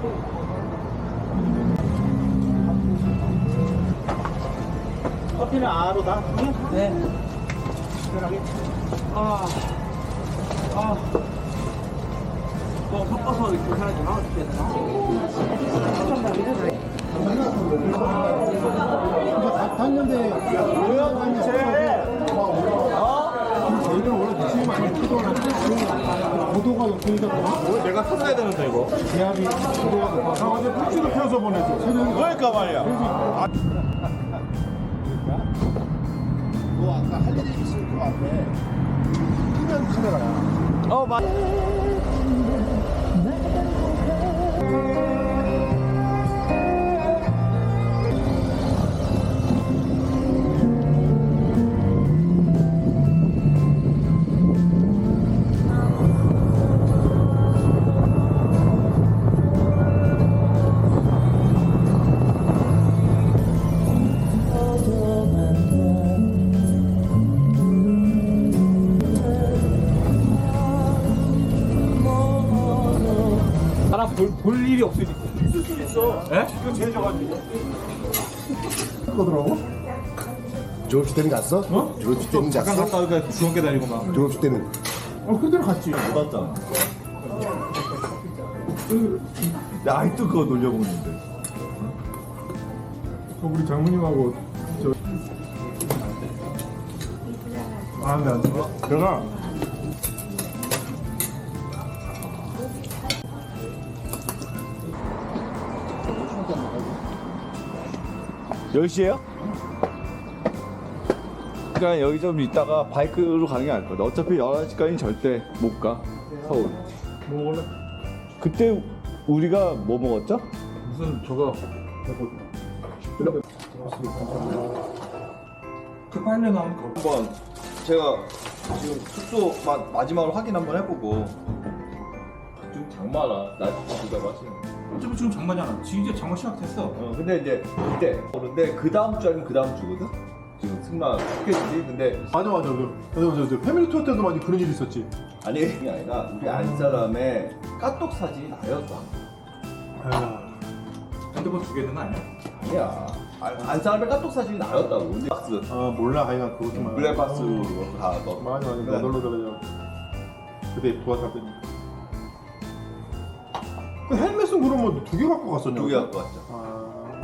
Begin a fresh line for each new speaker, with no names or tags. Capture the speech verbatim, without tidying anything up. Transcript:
커피는 아로 다? 네. 특별하게. 아, 아. 뭐 섞어서 이렇게 하나 좀 하고 싶겠나?
탔는데 뭐야 도대체? 저희는 원래 미치면 안 피도가 고도가 높으니까
뭐 내가 탔어야 되는데 이거.
기압이 고도가 높아서
어제 풀치도 펴서 보내줘. 그러니까 말이야. 아.
너 아까 할 일이 있을 것 같아. 끼면 카메라야.
어 맞. 사람 볼, 볼 일이 없으니까 있을 수 있어. 예? 이거 제일 져가지고.
거더라고?
졸업식 때는 갔어?
어?
졸업식 때는
잠깐
갔어?
갔다 오니까 중학교 다니고 막.
졸업식 때는
어, 그대로 갔지.
못 왔잖아. 나 아직도 그거 놀려보는데.
어, 우리 장모님하고 저. 아, 근데 안 돼. 내가
열 시에요? 그러니까 여기 좀 있다가 바이크로 가는 게 나을 거다. 어차피 열한 시까지는 절대 못 가. 서울.
뭐 원래
그때 우리가 뭐 먹었죠?
무슨 저거 급하려 나온 거.
한번 제가 지금 숙소 마, 마지막으로 확인 한번 해보고 좀 장마라 나 진짜 마시는
어차피 지금 장마잖아. 지금 이제 장마 시작됐어.
어 근데 이제 이때 그런데 그 다음 주 아니면 그 다음 주거든? 지금 승마 스케줄이. 근데
맞아 맞아. 맞아 맞아. 맞아. 패밀리 투어 때도 많이 그런 일이 있었지.
아니 그게 아니라 우리 안 사람의 까똑 사진이 나였어.
아, 핸드폰 두 개는 아니야?
아니야. 안, 안 사람의 까똑 사진이 나였다고. 근데 박스
아 몰라. 하여간 그거 좀
블랙박스로 다 넣어.
맞아 맞아. 너 놀러 가자. 그때 도와줬더니. 그 헬멧은 그러면 두 개 갖고 갔었냐?
두 개 갖고 왔죠.
아.